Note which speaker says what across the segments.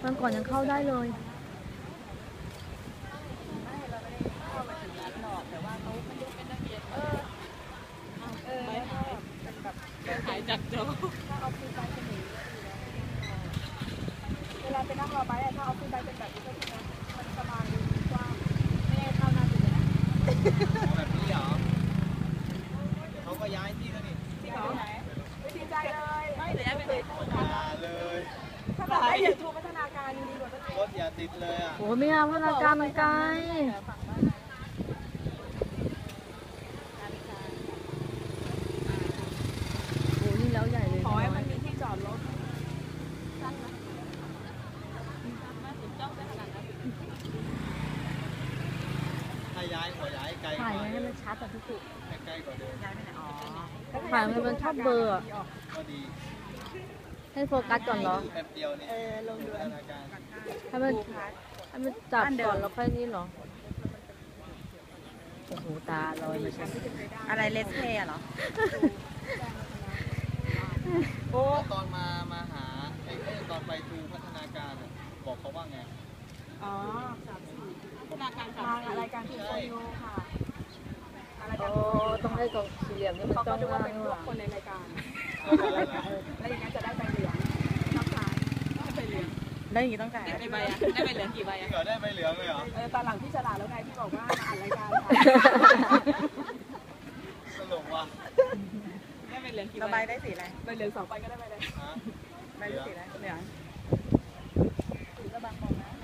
Speaker 1: วันก่อนยังเข้าได้เลย
Speaker 2: หายจากโจเวลาไปนั่งรอไปถ้าเอาขึ้นไปเป็นแบบนี้ก็คือมันสบายกว้างไม่ได้เข้าหน้าจุดนะ
Speaker 3: แบบนี้เหรอเขาก็ย้ายที่แล้วนี่
Speaker 2: ที่เขาไหนไม่ดีใจเลยไม่แต่ย้ายไปเลย
Speaker 3: เลย
Speaker 2: ถ้าแบบได้เดี๋ยวทูพัฒนาการดีกว่าร
Speaker 3: ถอย่าติดเลยอ่ะ
Speaker 1: โอ้ไม่เอาพัฒนาการมันไกลโอ้นี่แล้วใหญ่เลย
Speaker 2: ขอให้มันมีที่จอดรถ
Speaker 3: ถ้าย้ายขอย้ายไกล
Speaker 1: ถ่ายให้มันชัดแต่พี่สุ
Speaker 3: ใกล้กว่าเดิม
Speaker 2: ย้ายไปไหนอ๋อ
Speaker 1: ถ่ายมันชอบเบอร์
Speaker 3: ก็ดี
Speaker 1: ให้โฟกัสก่อนเหรอ
Speaker 3: แป๊บเดียวนี่
Speaker 2: ลงดู
Speaker 1: ให้มันจับก่อนแล้วค่อยนี่เหรอโอ้โหตาลอยมาชัด
Speaker 2: อะไรเลสเท่เหรอ
Speaker 3: โอ้ตอนมาหาไอ้ตอนไปทูพัฒนาการบอกเขาว่าไง
Speaker 2: อ๋อพัฒนาการอะไรการทูโซโยค่ะ
Speaker 1: โอ้ต้องให้กองสี่เหลี่ยมนี่มันต้องว่า
Speaker 2: เป็นพวกคนในรายการแล้วอย่างนั้นจะได้ใบเหลืองน้ำตาลได้ใบเหลืองได้อย่างนี้ต้องจ่ายกี่ใบอะได้ใบเหลืองกี่ใบอะ
Speaker 3: ได้ใบเหลืองเลยเหรอ
Speaker 2: ตอนหลังพี่ฉลาดแล้วไงที่บอกว่าอ่านรายการ
Speaker 3: สนุกว่ะ
Speaker 2: ได้ใบเหลืองกี่ใบได้สีอะไรใบเหลือง2ใบก็ได้ใบเลยใบเหลืองสีอะไรเหลืองสีกระบังบอกนะ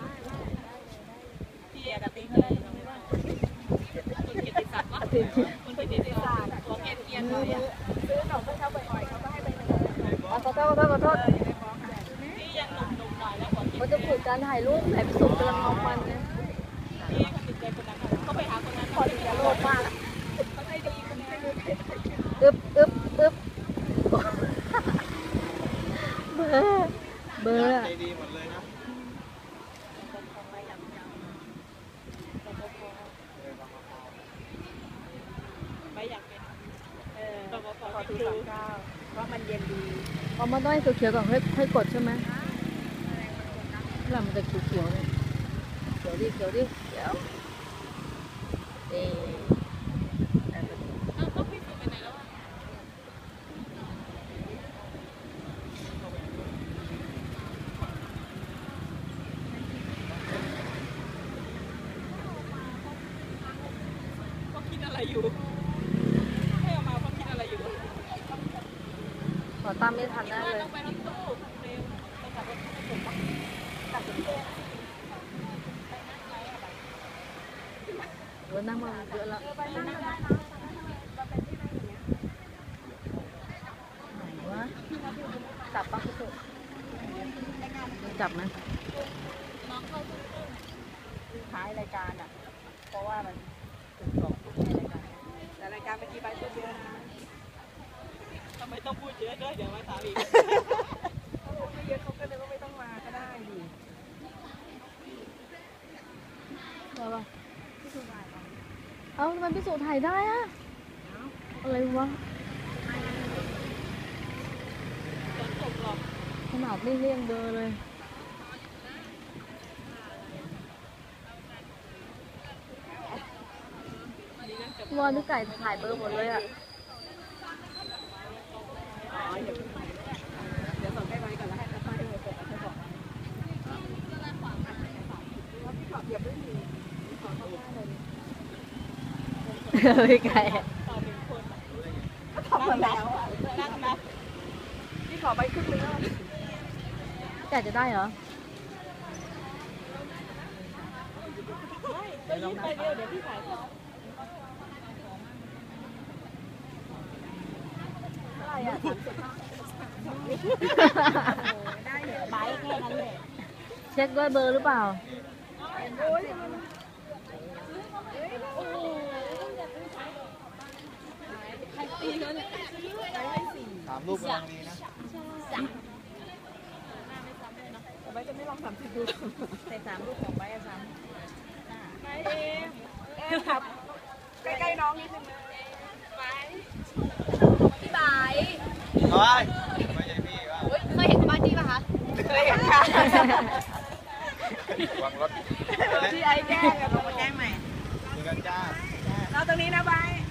Speaker 2: พี่กระติ๊กเลยคุณกิติศักดิ์วะคุณกิติศักดิ์ตัวเกียนเลยอะซื้อหนมให้เขาบ่อยๆเขาก็ให้ไปเลย
Speaker 1: ขอโทษ
Speaker 2: พี่ยังหนุ่มๆหน่อยแล้ว
Speaker 1: เขาจะฝึกการถ่ายรูปถ่ายพิสูจน์กำลังเอามันนะ
Speaker 2: พี่เขาติดใจคนนั้นเขาไปหาคนนั้นพอดีจะโลภมากเขาให้ดีคนนี้
Speaker 1: อึ๊บเบอร์
Speaker 3: ดีหมดเลยนะ
Speaker 2: ไม่อยากเป็นขอถือ39ว่ามันเย็นดี
Speaker 1: เอามาต้องให้เขียวๆก่อนค่อยกดใช่ไหมแล้วมันจะเขียวๆเลยเขียวดิเอ๊
Speaker 2: ต้องพี่สุไปไหนแล้วก็คิดอะไรอยู่ให้ออกมาเพราะคิดอะไรอยู่
Speaker 1: ขอตามไม่ทันแน่เลย
Speaker 2: ต้องไปที่ตู้เร็วไปกับรถผมกับรถ
Speaker 1: นั่งมาเยอะแล้วไหนวะจับปะพี่สุจับไหม
Speaker 2: น้องเข้าท้ายรายการอ่ะเพราะว่ามันถึง2 ทุ่มในรายการแต่รายการเมื่อกี้ไปพูดเยอะนะทำไมต้องพูดเยอะด้วยเดี๋ยวมาถามอีกเขาพูดไม่เยอะเขาก็เลยว่าไม่ต้องมาก็ได้ดิ
Speaker 1: ได้ปะเอ้าทำไมพี่สุถ่ายได้อะอะไรวะขนาดไม่เลี่ยงเบอร์เลยวอนทุกไก่ถ่ายเบอร์หมดเลยอ่ะ
Speaker 2: เดี๋ยวส่งให้ไว้ก่อนแล้วให้ป้าให้เบอร์ส่งให้บอกพี่ขอบเหยียบด้วยมือขอเข้าหน้าเลย
Speaker 1: ไม่ไก่
Speaker 2: ต่อ1 คนก็ทำมาแล้วนั่งนะพี่ขอไปขึ้นเรือ
Speaker 1: ไก่จะได้เหรอ
Speaker 2: ก็ยืดไปเดียวเดี๋ยวพี่ถ่ายเขาอะไรอ่ะได้เหรอใบแค่นั้นเลย
Speaker 1: เช็คด้วยเบอร์หรือเปล่า
Speaker 3: 3 รูปกำลังดีนะ
Speaker 2: ใบจะไม่ลอง30 ดูใส่3 รูปของใบซ้ำไม่เองครับใกล้ๆน้องนิดนึงไปพี่ใบ
Speaker 3: ไม่ใช่พี่ว่า
Speaker 4: เคยเห็นบ้านที่ป่ะคะ
Speaker 2: เลยค่ะ
Speaker 3: วางรถ
Speaker 2: ที่ไอ้แกล้งกับผมมาแกล้งใหม่
Speaker 3: เจอกันจ้า
Speaker 2: เราตรงนี้นะบาย